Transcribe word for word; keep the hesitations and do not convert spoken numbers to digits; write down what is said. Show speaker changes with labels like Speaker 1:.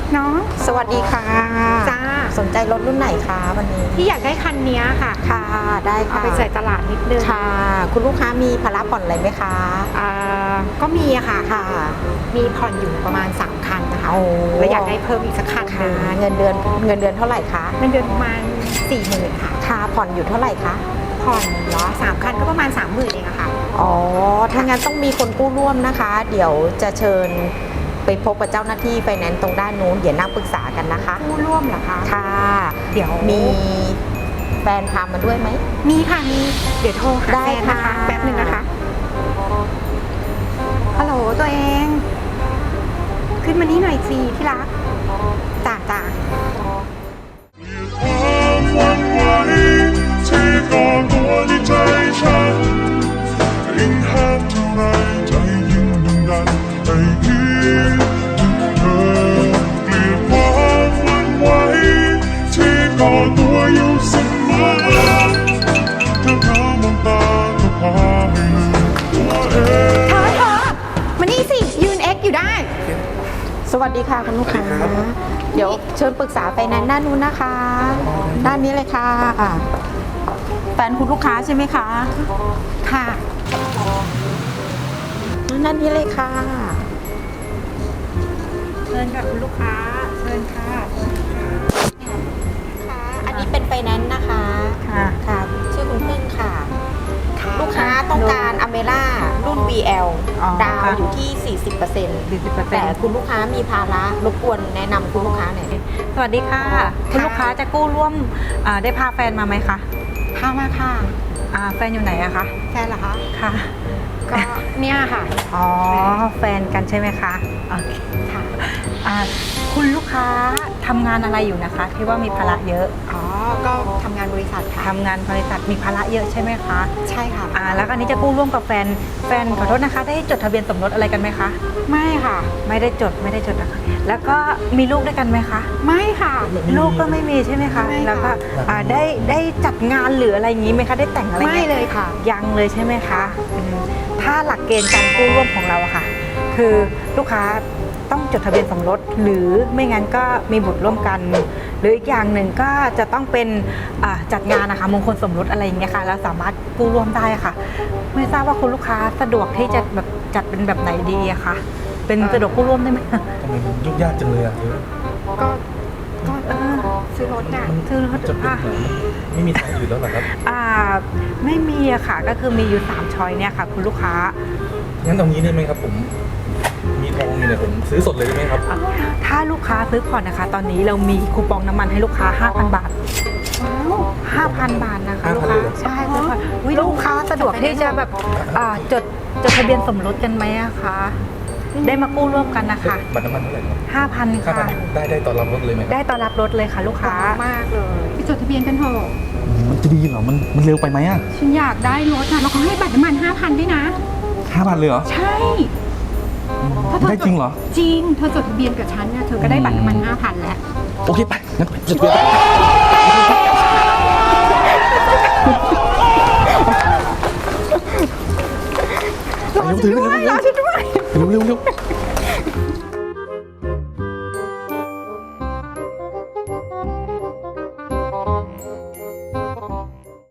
Speaker 1: เนาะ
Speaker 2: สวัสดีค่ะ
Speaker 1: จ้า
Speaker 2: สนใจรถรุ่นไหนคะวันนี้
Speaker 1: ที่อยากได้คันนี้ค่ะ
Speaker 2: ค่ะได้ค่ะ
Speaker 1: เอาไปใส่ตลาดนิดนึง
Speaker 2: ค่ะคุณลูกค้ามีภาระผ่อนอะไรไหมคะ
Speaker 1: อ่าก็มีอะค่ะ
Speaker 2: ค่ะ
Speaker 1: มีผ่อนอยู่ประมาณสามคันนะคะ
Speaker 2: โอ้
Speaker 1: แล้วอยากได้เพิ่มอีกสักคันนึง
Speaker 2: เงินเดือนเงินเดือนเท่าไหร่คะ
Speaker 1: เงินเดือนประมาณสี่หมื่นค่ะ
Speaker 2: ค่ะผ่อนอยู่เท่าไหร่คะ
Speaker 1: ผ่อนเหรอสามคันก็ประมาณสามหมื่นเองอะค่ะ
Speaker 2: อ๋อถ้างั้นต้องมีคนกู้ร่วมนะคะ เดี๋ยวจะเชิญไปพบกับเจ้าหน้าที่ไฟแนนซ์ตรงด้านนู้นเดี๋ยวนั่งปรึกษากันนะคะ
Speaker 1: กู้ร่วมเหรอคะ
Speaker 2: ค่ะ
Speaker 1: เดี๋ยว
Speaker 2: มีแฟนพามาด้วยไหม
Speaker 1: มีค่ะมีเดี๋ยวโทรหาแฟนนะคะแป๊บนึงนะคะฮัลโหลตัวเองขึ้นมานี่หน่อยสิที่รักจ้าจ้า
Speaker 3: ความหวังไว้ที่ก่อนตัวในใจฉันยิ่งห้ามเท่าไรใจยิ่งดึงดันให้คิดถึงเธอเกลียดความหวังไว้ที่ก่อตัวอยู่เสมอถ้าเธอมองตาก็พาให้ลืมตัวเอง
Speaker 1: เธอเธอมานี่สิยืนเอ็กอยู่ได้
Speaker 2: สวัสดีค่ะคุณลูกค้าเดี๋ยวเชิญปรึกษาไฟแนนซ์ด้านนู้นนะคะ ด้านนี้เลยค่ะแฟนคุณลูกค้าใช่ไหมคะ
Speaker 1: ค่ะ
Speaker 2: ด้านนี้เลยค่ะ
Speaker 1: เชิญค่ะคุณลูกค้าเชิญค่ะ
Speaker 2: ค่ะอันนี้เป็นไฟแนนซ์นะคะ
Speaker 1: ค่ะ
Speaker 2: ค่ะชื่อคุณพึ่งค่ะลูกค้าต้องการอเมร่ารุ่น วี แอล ดาวอยู่ที่ สี่สิบเปอร์เซ็นต์ แต่คุณลูกค้ามีภาระรบกวนแนะนำคุณลูกค้าหน่อย
Speaker 4: สวัสดีค่ะคุณลูกค้าจะกู้ร่วมได้พาแฟนมาไหมคะ
Speaker 1: พามาค่ะ
Speaker 4: แฟนอยู่ไหนอะคะ
Speaker 1: แฟนเหรอคะ
Speaker 4: ค่ะ
Speaker 1: ก็เนี่ยค่ะ
Speaker 4: อ๋อแฟนกันใช่ไหมคะโอเค
Speaker 1: ค่ะ
Speaker 4: คุณลูกค้าทำงานอะไรอยู่นะคะที่ว่ามีภาระเยอะ
Speaker 1: อ๋อก็ทำงานบริษัทค่ะ
Speaker 4: ทำงานบริษัทมีภาระเยอะใช่ไหมคะ
Speaker 1: ใช่ค่ะ
Speaker 4: อ่าแล้วอันนี้จะกู้ร่วมกับแฟนแฟนขอโทษนะคะได้จดทะเบียนสมรสอะไรกันไหมคะ
Speaker 1: ไม่ค่ะ
Speaker 4: ไม่ได้จดไม่ได้จดนะคะแล้วก็มีลูกด้วยกันไหมคะ
Speaker 1: ไม่ค่ะ
Speaker 4: ลูกก็ไม่มีใช่ไหมคะแล้วก็ได้ได้จัดงานหรืออะไรอย่างนี้ไหมคะได้แต่งอะไร
Speaker 1: ไม่เลยค่ะ
Speaker 4: ยังเลยใช่ไหมคะถ้าหลักเกณฑ์การกู้ร่วมของเราอะค่ะคือลูกค้าต้องจดทะเบียนสมรสหรือไม่งั้นก็มีบุตรร่วมกันหรืออีกอย่างหนึ่งก็จะต้องเป็นจัดงานนะคะมงคลสมรสอะไรอย่างเงี้ยค่ะแล้วสามารถกู้ร่วมได้ค่ะไม่ทราบว่าคุณลูกค้าสะดวกที่จะแบบจัดเป็นแบบไหนดีอะคะเป็นสะดวกกู้ร่วมได้ไหม
Speaker 3: ทำไมมันยุ่งยากจังเลยอะ
Speaker 1: ก็ก็ซื้อรถน่ะ
Speaker 4: ซื้อรถ
Speaker 3: จะเป็นไม่มีทางอื่นแล้วหรอครับ
Speaker 4: อ่าไม่มีอะค่ะก็คือมีอยู่สามช้อยเนี่ยค่ะคุณลูกค้า
Speaker 3: งั้นตรงนี้ได้ไหมครับผมมีทองมีเนี่ยผมซื้อสดเลยได้ไหมครับ
Speaker 4: ถ้าลูกค้าซื้อผ่อนนะคะตอนนี้เรามีคูปองน้ำมันให้ลูกค้า ห้าพัน บาทห้าพัน บาทนะคะลูกค้าใช่ค่ะลูกค้าสะดวกที่จะแบบจดจดทะเบียนสมรสกันไหมอะคะได้มากู้ร่วมกันนะคะ
Speaker 3: บัตรน้ำมันเท่าไหร่
Speaker 4: ห้าพันค่ะ
Speaker 3: ได้ได้ตอนรับรถเลยไหม
Speaker 4: ได้ตอนรับรถเลยค่ะลูกค้าม
Speaker 1: ากเลยไปจดทะเบียนกันเถอะ
Speaker 3: มันจะดีเหรอมันมันเร็วไปไหมอะ
Speaker 1: ฉันอยากได้รถอะแล้วเขาให้บัตรน้ำมันห้าพันด้วยนะ
Speaker 3: ห้าพันเลยเหรอ
Speaker 1: ใช่
Speaker 3: ได้จริงเหรอ
Speaker 1: จริงเธอจดทะเบียนกับฉันเนี่ยเธอก็ได้บัตรน้ำมันห้าพันแล้ว
Speaker 3: โอเคไปงั้นจดทะเบียน
Speaker 1: รอฉันด้วยรอฉันด้วย
Speaker 3: เร็วเร็วเร็ว